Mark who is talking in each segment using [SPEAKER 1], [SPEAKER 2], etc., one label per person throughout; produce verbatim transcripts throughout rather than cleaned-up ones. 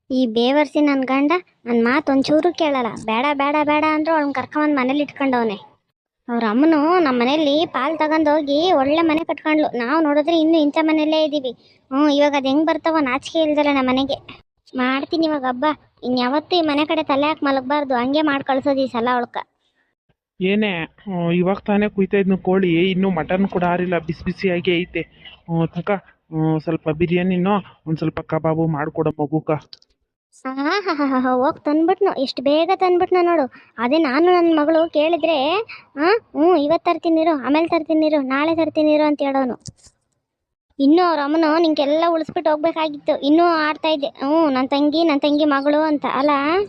[SPEAKER 1] ಈ ಬೇವರ್ಸಿ ನನ್ನ ಗಂಡ ನನ್ನ ಮಾತು ಒಂಚೂರು ಕೇಳಲ್ಲ. ಬೇಡ ಬೇಡ ಬೇಡ ಅಂದ್ರು ಅವ್ಳನ್ನ ಕರ್ಕೊಂಬಂದು ಮನೇಲಿ ಇಟ್ಕೊಂಡವನೆ. ಅವ್ರ ಅಮ್ಮನು ನಮ್ಮ ಮನೇಲಿ ಪಾಲು ತಗೊಂಡೋಗಿ ಒಳ್ಳೆ ಮನೆ ಕಟ್ಕೊಂಡ್ಲು. ನಾವು ನೋಡಿದ್ರೆ ಇನ್ನೂ ಇಂಥ ಮನೆಯಲ್ಲೇ ಇದ್ದೀವಿ. ಹ್ಞೂ ಇವಾಗ ಅದು ಹೆಂಗೆ ಬರ್ತಾವ ನಾಚಿಕೆ ಇಲ್ದಲ್ಲ ನಮ್ಮ ಮನೆಗೆ. ಮಾಡ್ತೀನಿ ಇವಾಗ ಹಬ್ಬ. ಇನ್ಯಾವತ್ತೂ ಈ ಮನೆ ಕಡೆ ತಲೆ ಹಾಕಿ ಮಲಗಬಾರ್ದು. ಹಂಗೆ ಮಾಡಿ ಕಳ್ಸೋದು ಈ ಸಲ ಅವಳ್ಕ.
[SPEAKER 2] ಏನೇ ಹ್ಮ್, ಇವಾಗ ತಾನೇ ಕುಯ್ತಾ ಇದ್ನು ಕೋಳಿ, ಇನ್ನೂ ಮಟನ್ ಕೂಡ ಆರಿಲ್ಲ, ಬಿಸಿ ಬಿಸಿಯಾಗಿ ಐತೆ. ಹ್ಮ್, ತಕ ಹ್ಮ್, ಸ್ವಲ್ಪ ಬಿರಿಯಾನಿನೋ ಒಂದು ಸ್ವಲ್ಪ ಕಬಾಬು ಮಾಡಿಕೊಡ ಮಗುಕ.
[SPEAKER 1] ಹಾ ಹಾ ಹಾ ಹಾ ಹೋಗಿ ತಂದ್ಬಿಟ್ನು, ಇಷ್ಟು ಬೇಗ ತಂದ್ಬಿಟ್ನ ನೋಡು. ಅದೇ ನಾನು ನನ್ನ ಮಗಳು ಕೇಳಿದ್ರೆ ಹಾಂ ಹ್ಞೂ ಇವತ್ತು ತರ್ತೀನಿರು, ಆಮೇಲೆ ತರ್ತೀನಿರು, ನಾಳೆ ತರ್ತೀನಿರು ಅಂತ ಹೇಳೋನು. ಇನ್ನೂ ಅವ್ರ ಅಮ್ಮನು ನಿಂಗೆಲ್ಲ ಉಳಿಸ್ಬಿಟ್ಟು ಹೋಗ್ಬೇಕಾಗಿತ್ತು. ಇನ್ನೂ ಆಡ್ತಾ ಇದ್ದೆ ಹ್ಞೂ ನನ್ನ ತಂಗಿ ನನ್ನ ತಂಗಿ ಮಗಳು ಅಂತ ಅಲ್ಲ.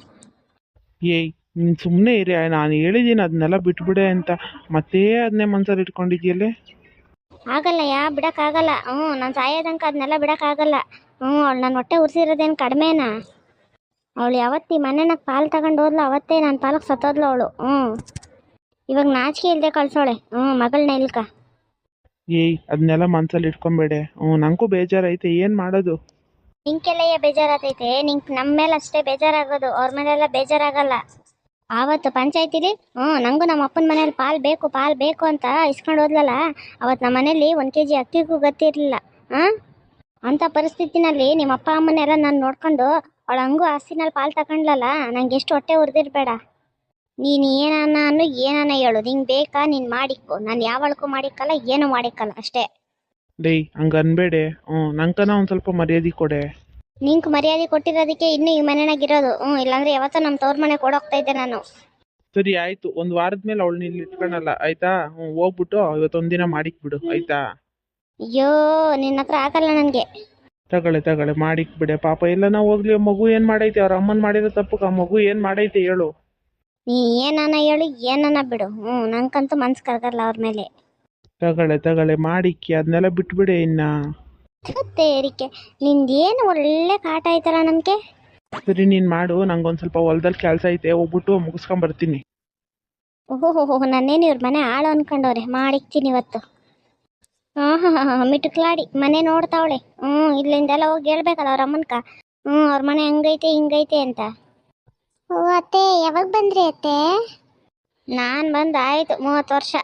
[SPEAKER 2] ಏಯ್ ನೀನು ಸುಮ್ಮನೆ ಇರಿ, ನಾನು ಹೇಳಿದ್ದೀನಿ ಅದನ್ನೆಲ್ಲ ಬಿಟ್ಬಿಡೆ ಅಂತ, ಮತ್ತೆ ಅದನ್ನೇ ಮನ್ಸಲ್ಲಿ ಇಟ್ಕೊಂಡಿದ್ಯಲ್ಲೇ.
[SPEAKER 1] ಆಗಲ್ಲ ಯಾ ಬಿಡೋಕ್ಕಾಗಲ್ಲ. ಹ್ಞೂ ನಾನು ಸಾಯೋದಂಕ ಅದನ್ನೆಲ್ಲ ಬಿಡೋಕ್ಕಾಗಲ್ಲ. ಹ್ಞೂ ಅವಳು ನನ್ನ ಹೊಟ್ಟೆ ಉರಿಸಿರೋದೇನು ಕಡಿಮೆನಾ? ಅವಳು ಯಾವತ್ತು ಈ ಮನೆನಾಗ ಪಾಲು ತಗೊಂಡು ಹೋದ್ಲು ಅವತ್ತೇ ನನ್ನ ಪಾಲಕ್ಕೆ ಸತ್ತೋದ್ಲು ಅವಳು. ಹ್ಞೂ ಇವಾಗ ನಾಚಿಕೆ ಇಲ್ಲದೆ ಕಳ್ಸೋಳೆ ಹ್ಞೂ ಮಗಳನ್ನ ಇಲ್ಕ.
[SPEAKER 2] ಏಯ್ ಅದನ್ನೆಲ್ಲ ಮನ್ಸಲ್ಲಿ ಇಟ್ಕೊಂಬೇಡೆ. ಹ್ಞೂ ನನಗೂ ಬೇಜಾರೈತೆ, ಏನು ಮಾಡೋದು.
[SPEAKER 1] ನಿಂಗೆಲ್ಲಯ್ಯ ಬೇಜಾರಾತೈತೆ? ನಿಂಗೆ ನಮ್ಮ ಮೇಲೆ ಅಷ್ಟೇ ಬೇಜಾರಾಗೋದು, ಅವ್ರ ಮೇಲೆಲ್ಲ ಬೇಜಾರಾಗಲ್ಲ. ಆವತ್ತು ಪಂಚಾಯತಿಲಿ ಹ್ಞೂ ನನಗೂ ನಮ್ಮ ಅಪ್ಪನ ಮನೇಲಿ ಪಾಲು ಬೇಕು ಪಾಲು ಬೇಕು ಅಂತ ಇಸ್ಕೊಂಡು ಹೋದ್ಲಲ್ಲ, ಅವತ್ತು ನಮ್ಮ ಮನೇಲಿ ಒಂದು ಕೆ ಜಿ ಅಕ್ಕಿಗೂ ಗತಿ ಇರಲಿಲ್ಲ. ಹಾಂ ಅಂಥ ಪರಿಸ್ಥಿತಿನಲ್ಲಿ ನಿಮ್ಮ ಅಪ್ಪ ಅಮ್ಮನೆಲ್ಲ ನಾನು ನೋಡ್ಕೊಂಡು ಅವಳು ಹಂಗೂ ಆಸ್ತಿನಲ್ಲಿ ಪಾಲು ತಗೊಂಡ್ಲಲ್ಲ, ನಂಗೆ ಎಷ್ಟು ಹೊಟ್ಟೆ ಉರಿದಿರ್ಬೇಡ. ನೀನು ಏನಾನ ಅನ್ನು ಏನಾನ ಹೇಳು, ನಿಂಗೆ ಬೇಕಾ ನೀನು ಮಾಡಿಕ್ಕೋ. ನಾನು ಯಾವಳಕ್ಕೂ ಮಾಡಿಕ್ಕಲ್ಲ, ಏನೂ ಮಾಡಿಕ್ಕಲ್ಲ ಅಷ್ಟೇ.
[SPEAKER 2] ಡೇಯ್ ಹಂಗೆ ಅನ್ಬೇಡೆ. ಹ್ಞೂ ನಂಕನ ಒಂದು ಸ್ವಲ್ಪ ಮರ್ಯಾದೆ ಕೊಡೆ.
[SPEAKER 1] ನಿಂಗೆ ಮರ್ಯಾದೆ ಕೊಟ್ಟಿರೋದಕ್ಕೆ ಇನ್ನೂ ಈ ಮನೆಯಾಗಿರೋದು. ಹ್ಞೂ ಇಲ್ಲಾಂದ್ರೆ ಯಾವತ್ತೋ ನಮ್ಮ ತವ್ರ ಮನೆ ಕೊಡೋಗ್ತಾ ಇದ್ದೆ ನಾನು.
[SPEAKER 2] ಸರಿ ಆಯಿತು, ಒಂದು ವಾರದ ಮೇಲೆ ಅವಳನ್ನ ಇಲ್ಲಿ ಇಟ್ಕೊಳಲ್ಲ ಆಯಿತಾ. ಹ್ಞೂ ಹೋಗ್ಬಿಟ್ಟು ಇವತ್ತೊಂದಿನ ಮಾಡಿಕ್ಬಿಡು ಆಯಿತಾ.
[SPEAKER 1] ಅಯ್ಯೋ ನಿನ್ನ ಹತ್ರ ಆಗಲ್ಲ ನನಗೆ.
[SPEAKER 2] ತಗೊಳ್ಳೆ ತಗೊಳ್ಳೆ ಮಾಡಿಕ್ಬಿಡೆ. ಪಾಪ ಎಲ್ಲ ನಾವು ಹೋಗ್ಲಿ, ಮಗು ಏನು ಮಾಡೈತೆ, ಅವ್ರ ಅಮ್ಮನ ಮಾಡಿರೋ ತಪ್ಪು ಆ ಮಗು ಏನು ಮಾಡೈತೆ ಹೇಳು.
[SPEAKER 1] ನೀ ಏನಾನ ಹೇಳು ಏನಾನ ಬಿಡು, ಹ್ಞೂ ನಂಗಂತೂ ಮನ್ಸು ಕರಗಲ್ಲ ಅವ್ರ ಮೇಲೆ.
[SPEAKER 2] ತಗೊಳ್ಳೆ ತಗೊಳ್ಳೆ ಮಾಡಿಕ್ಕಿ, ಅದನ್ನೆಲ್ಲ ಬಿಟ್ಬಿಡೆ ಇನ್ನ.
[SPEAKER 1] ಮತ್ತೆ ಏರಿಕೆ ನಿಂದೇನು ಒಳ್ಳೆ ಕಾಟ ಆಯ್ತಲ್ಲ ನನಗೆ.
[SPEAKER 2] ಸರಿ ನೀನು ಮಾಡು, ನಂಗೊಂದು ಸ್ವಲ್ಪ ಹೊಲ್ದಲ್ಲಿ ಕೆಲಸ ಐತೆ, ಹೋಗ್ಬಿಟ್ಟು ಮುಗಿಸ್ಕೊಂಬರ್ತೀನಿ.
[SPEAKER 1] ಓಹೋ ಹೋ ಹೋ ನನ್ನೇನು ಇವ್ರ ಮನೆ ಆಳು ಅನ್ಕೊಂಡವ್ರೆ. ಮಾಡಿಕ್ತೀನಿ ಇವತ್ತು. ಹಾಂ ಹಾಂ ಹಾಂ ಹಾಂ ಮಿಟುಕ್ಲಾಡಿ ಮನೆ ನೋಡ್ತಾವಳೆ. ಹ್ಞೂ ಇಲ್ಲಿಂದೆಲ್ಲ ಹೋಗಿ ಹೇಳ್ಬೇಕಲ್ಲ ಅವ್ರ ಅಮ್ಮನ್ಕ. ಹ್ಞೂ ಅವ್ರ ಮನೆ ಹಂಗೈತೆ ಹಿಂಗೈತೆ ಅಂತ. ಓ ಅತ್ತೆ ಯಾವಾಗ ಬಂದ್ರಿ ಅತ್ತೆ? ನಾನು ಬಂದು ಆಯಿತು ಮೂವತ್ತು ವರ್ಷ.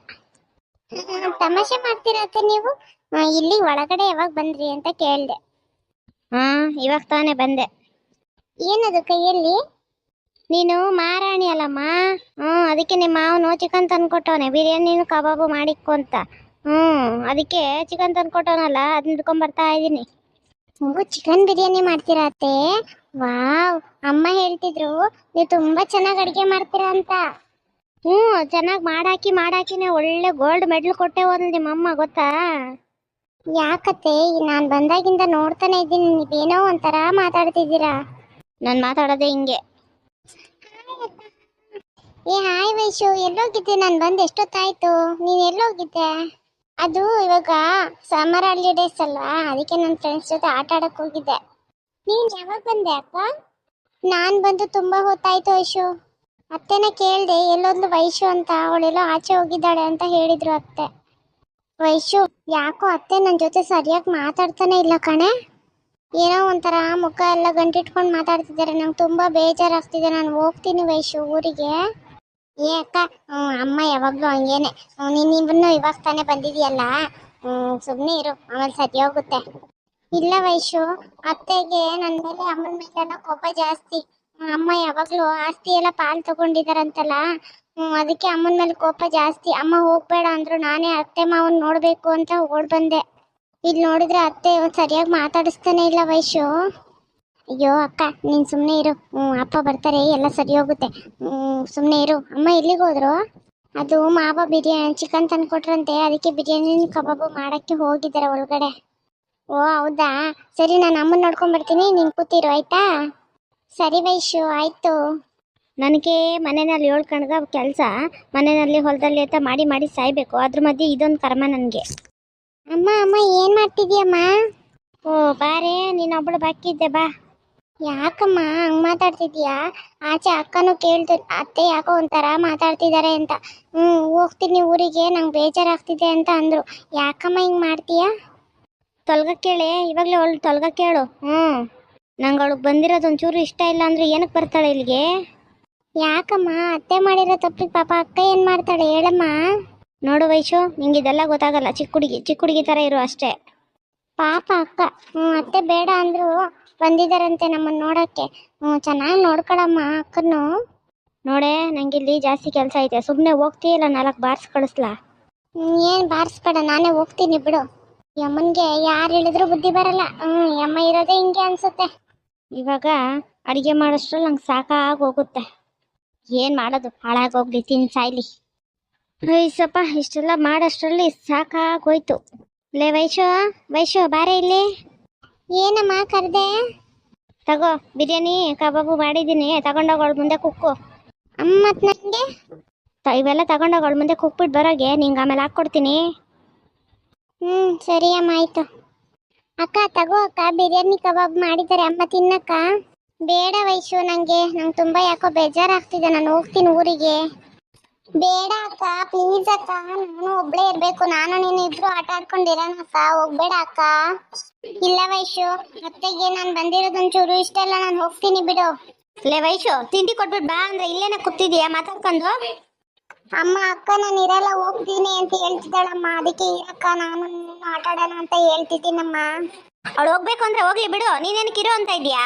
[SPEAKER 1] ತಮಾಷೆ ಮಾಡ್ತೀರತ್ತೆ ನೀವು? ಇಲ್ಲಿ ಒಳಗಡೆ ಯಾವಾಗ ಬಂದ್ರಿ ಅಂತ ಕೇಳಿದೆ. ಹಾಂ ಇವಾಗ ತಾನೇ ಬಂದೆ. ಏನದು ಕೈಯಲ್ಲಿ? ನೀನು ಮಾರಾಣಿ ಅಲ್ಲಮ್ಮ. ಹ್ಞೂ ಅದಕ್ಕೆ ನಿಮ್ಮ ಮಾವನು ಚಿಕನ್ ತಂದ್ಕೊಟ್ಟವನೆ, ಬಿರಿಯಾನಿನೂ ಕಬಾಬು ಮಾಡಿಕ್ಕು ಅಂತ. ಹ್ಞೂ ಅದಕ್ಕೆ ಚಿಕನ್ ತಂದ್ಕೊಟ್ಟವನಲ್ಲ, ಅದನ್ನ ಹಿಡ್ಕೊಂಬರ್ತಾ ಇದ್ದೀನಿ. ನೀವು ಚಿಕನ್ ಬಿರಿಯಾನಿ ಮಾಡ್ತೀರಾ ಅತ್ತೆ? ವಾವ್, ಅಮ್ಮ ಹೇಳ್ತಿದ್ರು ನೀವು ತುಂಬ ಚೆನ್ನಾಗಿ ಅಡುಗೆ ಮಾಡ್ತೀರಾ ಅಂತ. ಹ್ಞೂ ಚೆನ್ನಾಗಿ ಮಾಡಾಕಿ ಮಾಡಾಕಿನೇ ಒಳ್ಳೆ ಗೋಲ್ಡ್ ಮೆಡಲ್ ಕೊಟ್ಟೆ ಹೋದ್ಲು ನಿಮ್ಮಮ್ಮ, ಗೊತ್ತಾ? ಯಾಕತ್ತೆ ನಾನು ಬಂದಾಗಿಂದ ನೋಡ್ತಾನೆ ಇದ್ದೀನಿ, ನೀವೇನೋ ಒಂಥರ ಮಾತಾಡ್ತಿದ್ದೀರಾ. ನಾನು ಮಾತಾಡೋದೇ ಹಿಂಗೆ. ಏ ಹಾಯ್ ವೈಶು, ಎಲ್ಲೋಗಿದ್ದೆ? ನಾನು ಬಂದು ಎಷ್ಟೊತ್ತಾಯ್ತು, ನೀನು ಎಲ್ಲೋಗಿದ್ದೆ? ಅದು ಇವಾಗ ಸಮ್ಮರ್ ಹಾಲಿಡೇಸ್ ಅಲ್ವಾ, ಅದಕ್ಕೆ ನನ್ನ ಫ್ರೆಂಡ್ಸ್ ಜೊತೆ ಆಟ ಆಡಕ್ಕೆ ಹೋಗಿದ್ದೆ. ನೀನು ಯಾವಾಗ ಬಂದೆ ಅಕ್ಕ? ನಾನು ಬಂದು ತುಂಬ ಹೊತ್ತಾಯ್ತು ವೈಶು. ಅತ್ತೆನ ಕೇಳಿದೆ ಎಲ್ಲೊಂದು ವೈಶು ಅಂತ, ಅವಳೆಲ್ಲೋ ಆಚೆ ಹೋಗಿದ್ದಾಳೆ ಅಂತ ಹೇಳಿದ್ರು ಅತ್ತೆ. ವೈಶು ಯಾಕೋ ಅತ್ತೆ ನನ್ನ ಜೊತೆ ಸರಿಯಾಗಿ ಮಾತಾಡ್ತಾನೆ ಇಲ್ಲ ಕಣೆ. ಏನೋ ಒಂಥರ ಮುಖ ಎಲ್ಲ ಗಂಟಿಟ್ಕೊಂಡು ಮಾತಾಡ್ತಿದ್ದಾರೆ, ನಂಗೆ ತುಂಬ ಬೇಜಾರಾಗ್ತಿದೆ. ನಾನು ಹೋಗ್ತೀನಿ ವೈಶು ಊರಿಗೆ. ಏ ಅಕ್ಕ ಅಮ್ಮ ಯಾವಾಗಲೂ ಹಂಗೇನೆ, ನೀನು ಇವನ್ನು ಇವಾಗ ತಾನೇ ಬಂದಿದೆಯಲ್ಲ, ಸುಮ್ಮನೆ ಇರು, ಆಮೇಲೆ ಸರಿ ಹೋಗುತ್ತೆ. ಇಲ್ಲ ವೈಶು, ಅತ್ತೆಗೆ ನನ್ನ ಮೇಲೆ ಅಮ್ಮನ ಮೇಲೆಲ್ಲ ಕೋಪ ಜಾಸ್ತಿ. ಅಮ್ಮ ಯಾವಾಗಲೂ ಆಸ್ತಿ ಎಲ್ಲ ಪಾಲು ತಗೊಂಡಿದಾರಂತಲ್ಲ, ಅದಕ್ಕೆ ಅಮ್ಮನ ಮೇಲೆ ಕೋಪ ಜಾಸ್ತಿ. ಅಮ್ಮ ಹೋಗ್ಬೇಡ ಅಂದ್ರು, ನಾನೇ ಅತ್ತೆ ಮಾವನ್ ನೋಡಬೇಕು ಅಂತ ಓಡ್ ಬಂದೆ. ಇಲ್ಲಿ ನೋಡಿದ್ರೆ ಅತ್ತೆ ಸರಿಯಾಗಿ ಮಾತಾಡಿಸ್ತಾನೆ ಇಲ್ಲ ವೈಶು. ಅಯ್ಯೋ ಅಕ್ಕ ನೀನು ಸುಮ್ಮನೆ ಇರು, ಹ್ಞೂ ಅಪ್ಪ ಬರ್ತಾರೆ ಎಲ್ಲ ಸರಿ ಹೋಗುತ್ತೆ. ಹ್ಞೂ ಸುಮ್ಮನೆ ಇರು. ಅಮ್ಮ ಎಲ್ಲಿಗೆ ಹೋದ್ರು? ಅದು ಮಾವ ಬಿರಿಯಾನಿ ಚಿಕನ್ ತಂದ್ಕೊಟ್ರಂತೆ, ಅದಕ್ಕೆ ಬಿರಿಯಾನಿ ಕಬಾಬು ಮಾಡೋಕ್ಕೆ ಹೋಗಿದ್ದಾರೆ ಒಳಗಡೆ. ಓ ಹೌದಾ, ಸರಿ ನಾನು ಅಮ್ಮನ ನೋಡ್ಕೊಂಡು ಬರ್ತೀನಿ, ನೀನು ಕೂತಿರು ಆಯಿತಾ? ಸರಿ ವೈಶು ಆಯಿತು. ನನಗೆ ಮನೆಯಲ್ಲಿ ಏಳು ಕಣ್ಗ ಕೆಲಸ, ಮನೆಯಲ್ಲಿ ಹೊಲದಲ್ಲಿ ಅಂತ ಮಾಡಿ ಮಾಡಿ ಸಾಯ್ಬೇಕು, ಅದ್ರ ಮಧ್ಯೆ ಇದೊಂದು ಕರ್ಮ ನನಗೆ. ಅಮ್ಮ ಅಮ್ಮ ಏನು ಮಾಡ್ತಿದ್ಯಮ್ಮ? ಓ ಬಾರೇ, ನೀನೊಬ್ಬಳು ಬಾಕಿದ್ದೆ ಬಾ. ಯಾಕಮ್ಮ ಹಂಗೆ ಮಾತಾಡ್ತಿದ್ಯಾ? ಆಚೆ ಅಕ್ಕನೂ ಕೇಳ್ತು, ಅತ್ತೆ ಯಾಕೋ ಒಂಥರ ಮಾತಾಡ್ತಿದ್ದಾರೆ ಅಂತ. ಹ್ಞೂ ಹೋಗ್ತೀನಿ ಊರಿಗೆ, ನಂಗೆ ಬೇಜಾರಾಗ್ತಿದೆ ಅಂತ ಅಂದರು. ಯಾಕಮ್ಮ ಹಿಂಗೆ ಮಾಡ್ತೀಯಾ? ತೊಲ್ಗ ಕೇಳೆ, ಇವಾಗಲೇ ಅವಳು ತೊಲ್ಗ ಕೇಳು. ಹ್ಞೂ ನಂಗೆ ಅವಳಿಗೆ ಬಂದಿರೋದು ಒಂಚೂರು ಇಷ್ಟ ಇಲ್ಲ ಅಂದ್ರೆ ಏನಕ್ಕೆ ಬರ್ತಾಳೆ ಇಲ್ಲಿಗೆ? ಯಾಕಮ್ಮ ಅತ್ತೆ ಮಾಡಿರೋ ತಪ್ಪಿಗೆ ಪಾಪ ಅಕ್ಕ ಏನು ಮಾಡ್ತಾಳೆ ಹೇಳಮ್ಮ. ನೋಡು ವೈಶು, ನಿಂಗೆ ಇದೆಲ್ಲ ಗೊತ್ತಾಗಲ್ಲ. ಚಿಕ್ಕ ಹುಡುಗಿ ಚಿಕ್ಕ ಹುಡುಗಿ ಥರ ಇರು ಅಷ್ಟೇ. ಪಾಪ ಅಕ್ಕ. ಹ್ಞೂ ಅತ್ತೆ ಬೇಡ ಅಂದ್ರು ಬಂದಿದ್ದಾರಂತೆ ನಮ್ಮನ್ನು ನೋಡೋಕ್ಕೆ. ಹ್ಞೂ ಚೆನ್ನಾಗಿ ನೋಡ್ಕೊಳಮ್ಮ ಅಕ್ಕನ್ನು. ನೋಡೆ ನಂಗೆ ಇಲ್ಲಿ ಜಾಸ್ತಿ ಕೆಲಸ ಐತೆ, ಸುಮ್ಮನೆ ಹೋಗ್ತೀಯಲ್ಲ ನಾಲ್ಕು ಬಾರ್ಸ್ ಕಳಿಸ್ಲಾ? ಏನು ಬಾರಿಸ್ಬೇಡ, ನಾನೇ ಹೋಗ್ತೀನಿ ಬಿಡು. ಯಮ್ಮನಿಗೆ ಯಾರು ಹೇಳಿದ್ರು ಬುದ್ಧಿ ಬರಲ್ಲ. ಹ್ಞೂ ಯಮ್ಮ ಇರೋದೇ ಹಿಂಗೆ ಅನ್ಸುತ್ತೆ. ಇವಾಗ ಅಡುಗೆ ಮಾಡೋಷ್ಟ್ರಲ್ಲಿ ನಂಗೆ ಸಾಕಾಗಿ ಹೋಗುತ್ತೆ. ಏನು ಮಾಡೋದು, ಹಾಳಾಗೋಗ್ಲಿ, ತಿನ್ ಸಾಯ್ಲಿ. ಐಸಪ್ಪ ಇಷ್ಟೆಲ್ಲ ಮಾಡೋಷ್ಟ್ರಲ್ಲಿ ಸಾಕಾಗೋಯ್ತು. ಲೇ ವೈಶು, ವೈಶು ಬಾರೆ ಇಲ್ಲಿ. ಏನಮ್ಮ ಕರೆದೆ? ತಗೋ ಬಿರಿಯಾನಿ ಕಬಾಬು ಮಾಡಿದ್ದೀನಿ, ತಗೊಂಡೋಗೋಳು ಮುಂದೆ ಕುಕ್ಕು. ಅಮ್ಮ ಮತ್ತು ನನಗೆ ಇವೆಲ್ಲ ತಗೊಂಡೋಗೋಳು ಮುಂದೆ ಕುಕ್ಬಿಟ್ಟು ಬರೋಗೆ, ನಿಂಗೆ ಆಮೇಲೆ ಹಾಕ್ಕೊಡ್ತೀನಿ. ಹ್ಞೂ ಸರಿ ಅಮ್ಮ ಆಯಿತು. ಅಕ್ಕ ತಗೋ ಅಕ್ಕ, ಬಿರಿಯಾನಿ ಕಬಾಬ್ ಮಾಡಿದ್ದಾರೆ ಅಮ್ಮ ತಿನ್ನಕ್ಕ. ಬೇಡ ವೈಶು, ನನಗೆ ನಂಗೆ ತುಂಬ ಯಾಕೋ ಬೇಜಾರಾಗ್ತಿದೆ, ನಾನು ಹೋಗ್ತೀನಿ ಊರಿಗೆ. ಬೇಡ ಅಕ್ಕ ಪ್ಲೀಸ್ ಅಕ್ಕ, ನಾನು ಒಬ್ಳೇ ಇರಬೇಕು, ನಾನು ನೀನು ಇಬ್ರು ಆಟ ಆಡ್ಕೊಂಡಿರೋಣ ಅಕ್ಕ, ಹೋಗ್ಬೇಡ ಅಕ್ಕ. ಇಲ್ಲ ವೈಶು, ಅತ್ತೆಗೆ ನಾನು ಬಂದಿರೋದೊಂಚೂರು ಇಷ್ಟ ಇಲ್ಲ, ನಾನು ಹೋಗ್ತೀನಿ ಬಿಡು. ಲೇ ವೈಶು, ತಿಂಡಿ ಕೊಟ್ಬಿಟ್ಟು ಬಾ ಅಂದ್ರೆ ಇಲ್ಲೇನ ಕೂತಿದೀಯಾ ಮಾತಾಡ್ಕೊಂಡು? ಅಮ್ಮ ಅಕ್ಕ ನಾನು ಇರಲ್ಲ ಹೋಗ್ತೀನಿ ಅಂತ ಹೇಳ್ತಿದ್ದಾಳಮ್ಮ, ಅದಕ್ಕೆ ಇರಕ್ಕ ನಾನು ಆಟ ಆಡೋಣ ಅಂತ ಹೇಳ್ತಿದ್ದೀನಮ್ಮ. ಅವಳು ಹೋಗ್ಬೇಕು ಅಂದ್ರೆ ಹೋಗ್ಲಿ ಬಿಡು, ನೀನೇನಕ್ಕೆ ಇರೋ ಅಂತ ಇದೀಯಾ?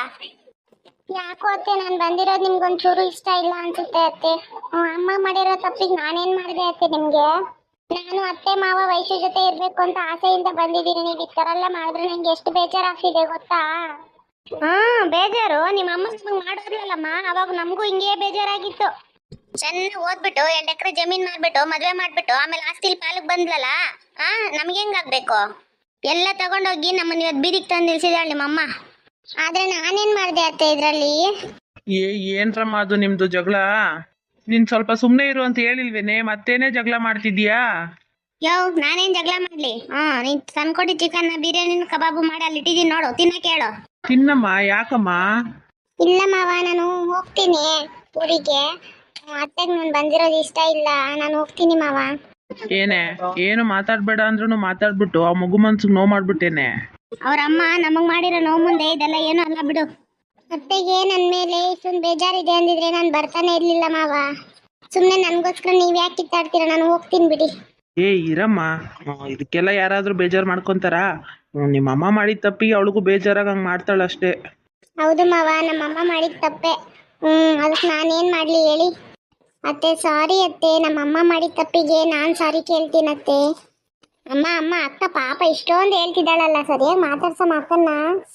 [SPEAKER 1] ಯಾಕೋ ಅತ್ತೆ ನಾನು ಬಂದಿರೋದು ನಿಮ್ಗೊಂಚೂರು ಇಷ್ಟ ಇಲ್ಲ ಅನ್ಸುತ್ತೆ ಅತ್ತೆ. ಅಮ್ಮ ಮಾಡಿರೋ ತಪ್ಪಿಗೆ ನಾನೇನ್ ಮಾಡಿದೆ ಅತ್ತೆ ನಿಮ್ಗೆ? ನಾನು ಅತ್ತೆ ಮಾವ ವೈಶು ಜೊತೆ ಇರ್ಬೇಕು ಅಂತ ಆಸೆಯಿಂದ ಬಂದಿದ್ದೀನಿ, ನೀವು ಈ ಥರ ಎಲ್ಲ ಮಾಡಿದ್ರೆ ನಂಗೆ ಎಷ್ಟು ಬೇಜಾರಾಗ್ತಿದೆ ಗೊತ್ತಾ? ಹಾ ಬೇಜಾರು ನಿಮ್ಮ ಅಮ್ಮ ನಮ್ಗೆ ಮಾಡೋದ್ರಲ್ಲಮ್ಮ, ಅವಾಗ ನಮಗೂ ಹಿಂಗೆ ಬೇಜಾರಾಗಿತ್ತು. ಚೆನ್ನಾಗಿ ಓದ್ಬಿಟ್ಟು ಎರಡು ಎಕರೆ ಜಮೀನ್ ಮಾಡ್ಬಿಟ್ಟು ಮದ್ವೆ ಮಾಡ್ಬಿಟ್ಟು ಆಮೇಲೆ ಆಸ್ತಿಲಿ ಪಾಲಕ್ ಬಂದ್ಲಲ್ಲ, ಆ ನಮ್ಗೆ ಹೆಂಗಾಗ್ಬೇಕು? ಎಲ್ಲ ತಗೊಂಡೋಗಿ ನಮ್ಮನ್ನ ಇವತ್ತು ಬೀದಿಗೆ ತಂದು ನಿಲ್ಸಿದಾಳೆ ನಿಮ್ಮಮ್ಮ. ಆದ್ರೆ ನಾನೇನ್ ಮಾಡಿದೆ ಅತ್ತೆ ಇದ್ರಲ್ಲಿ?
[SPEAKER 2] ಏ ಏನ್ರಮ್ಮ ಅದು ನಿಮ್ದು ಜಗಳ? ನೀನ್ ಸ್ವಲ್ಪ ಸುಮ್ಮನೆ ಇರು ಅಂತ ಹೇಳಿಲ್ವೇನೆ, ಮತ್ತೇನೆ ಜಗಳ ಮಾಡ್ತಿದ್ಯಾ?
[SPEAKER 1] ಯೋ ನಾನೇನ್ ಜಗಳ ಮಾಡ್ಲಿ? ಹಾ ನೀನ್ ತಂದ್ಕೊಟ್ಟಿ ಚಿಕನ್ ಬಿರಿಯಾನಿ ಕಬಾಬು ಮಾಡಿ ಅಲ್ಲಿ ಇಟ್ಟಿದ್ದೀನಿ ನೋಡು, ತಿನ್ನಕ್ಕೆ ಹೇಳು.
[SPEAKER 2] ತಿನ್ನಮ್ಮ, ಯಾಕಮ್ಮ?
[SPEAKER 1] ಇಲ್ಲ ಮಾವ ನಾನು ಹೋಗ್ತೀನಿ ಊರಿಗೆ, ಅತ್ತೆಗೆ ನಾನು ಬಂದಿರೋದು ಇಷ್ಟ ಇಲ್ಲ, ನಾನು ಹೋಗ್ತೀನಿ ಮಾವ.
[SPEAKER 2] ಏನೇ ಏನು ಮಾತಾಡ್ಬೇಡ ಅಂದ್ರೂ ಮಾತಾಡ್ಬಿಟ್ಟು ಆ ಮಗು ಮನ್ಸಿಗೆ ನೋವು ಮಾಡ್ಬಿಟ್ಟೇನೆ.
[SPEAKER 1] ಅವ್ರ ಅಮ್ಮ ನಮಗ್ ಮಾಡಿರೋ ನೋವು ಮುಂದೆ ಇದೆಲ್ಲ ಏನು ಅಲ್ಲ ಬಿಡು. ಅತ್ತೆಗೆ ನನ್ನ ಮೇಲೆ ಇಷ್ಟೊಂದು ಬೇಜಾರಿದೆ ಅಂದಿದ್ರೆ ನಾನು ಬರ್ತಾನೆ ಇರ್ಲಿಲ್ಲ ಮಾವ. ಸುಮ್ಮನೆ ನನಗೋಸ್ಕರ ನೀವು ಯಾಕೆ ಕಿತ್ತಾಡ್ತೀರಾ, ನಾನು ಹೋಗ್ತೀನಿ ಬಿಡಿ.
[SPEAKER 2] ಏ ಇರಮ್ಮ, ಇದಕ್ಕೆಲ್ಲ ಯಾರಾದ್ರೂ ಬೇಜಾರು ಮಾಡ್ಕೊಂತಾರ? ನಿಮ್ಮ ಅಮ್ಮ ಮಾಡಿದ ತಪ್ಪಿಗೆ ಅವಳಿಗೂ ಬೇಜಾರಾಗ ಹಂಗೆ ಮಾಡ್ತಾಳಷ್ಟೇ.
[SPEAKER 1] ಹೌದು ಮಾವ, ನಮ್ಮಮ್ಮ ಮಾಡಿದ ತಪ್ಪೆ. ಹ್ಮ್ ಅದಕ್ಕೆ ನಾನೇನ್ ಮಾಡ್ಲಿ ಹೇಳಿ ಅತ್ತೆ? ಸಾರಿ ಅತ್ತೆ, ನಮ್ಮಮ್ಮ ಮಾಡಿದ ತಪ್ಪಿಗೆ ನಾನು ಸಾರಿ ಕೇಳ್ತೀನತ್ತೆ. ಅಮ್ಮ ಅಮ್ಮ ಅಕ್ಕ ಪಾಪ ಇಷ್ಟೊಂದು ಹೇಳ್ತಿದ್ದಾಳಲ್ಲ, ಸರಿಯಾಗಿ ಮಾತಾಡ್ಸೋ ಮಕ್ಕನ್ನ.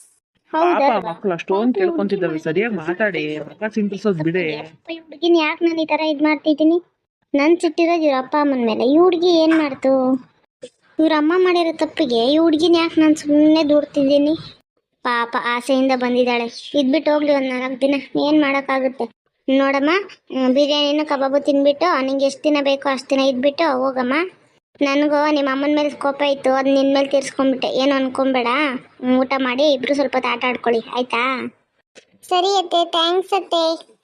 [SPEAKER 2] ಪಾಪ ಮಕ್ಕಳು ಅಷ್ಟೊಂದು ಕೇಳ್ಕೊಂತಿದ್ದಾವೆ, ಸರಿಯಾಗಿ ಮಾತಾಡಿ, ಮಕ್ಕ ಸಿಂಪಿಸೋದು ಬಿಡೆ.
[SPEAKER 1] ಹುಡುಗಿನ ಯಾಕೆ ನಾನು ಈ ತರ ಇದ್ ಮಾಡ್ತಿದ್ದೀನಿ? ನನ್ ಸಿಟ್ಟಿರೋದು ಇವ್ರ ಅಪ್ಪ ಅಮ್ಮನ ಮೇಲೆ. ಈ ಹುಡುಗಿ ಏನ್ ಮಾಡ್ತು? ಇವ್ರ ಅಮ್ಮ ಮಾಡಿರೋ ತಪ್ಪಿಗೆ ಈ ಹುಡುಗಿನ ಯಾಕೆ ನಾನು ಸುಮ್ಮನೆ ದೂಡ್ತಿದ್ದೀನಿ? ಪಾಪ ಆಸೆಯಿಂದ ಬಂದಿದ್ದಾಳೆ, ಇದ್ಬಿಟ್ಟು ಹೋಗ್ಲಿ ಒಂದ್ ನಾಲ್ಕು ದಿನ, ಏನ್ ಮಾಡಕ್ಕಾಗುತ್ತೆ. ನೋಡಮ್ಮ, ಬಿರಿಯಾನಿನ ಕಬಾಬು ತಿನ್ಬಿಟ್ಟು ನಿಂಗೆ ಎಷ್ಟು ದಿನ ಬೇಕೋ ಅಷ್ಟು ದಿನ ಇದ್ಬಿಟ್ಟು ಹೋಗಮ್ಮ. ನನಗೂ ನಿಮ್ಮ ಅಮ್ಮನ ಮೇಲೆ ಕೋಪ ಇತ್ತು, ಅದು ನಿನ್ನ ಮೇಲೆ ತೀರ್ಸ್ಕೊಂಡ್ಬಿಟ್ಟೆ, ಏನು ಅನ್ಕೊಂಬೇಡ. ಊಟ ಮಾಡಿ ಇಬ್ರು ಸ್ವಲ್ಪ ಆಟ ಆಡ್ಕೊಳ್ಳಿ ಆಯ್ತಾ? ಸರಿ ಅತ್ತೆ, ಥ್ಯಾಂಕ್ಸ್ ಅತ್ತೆ.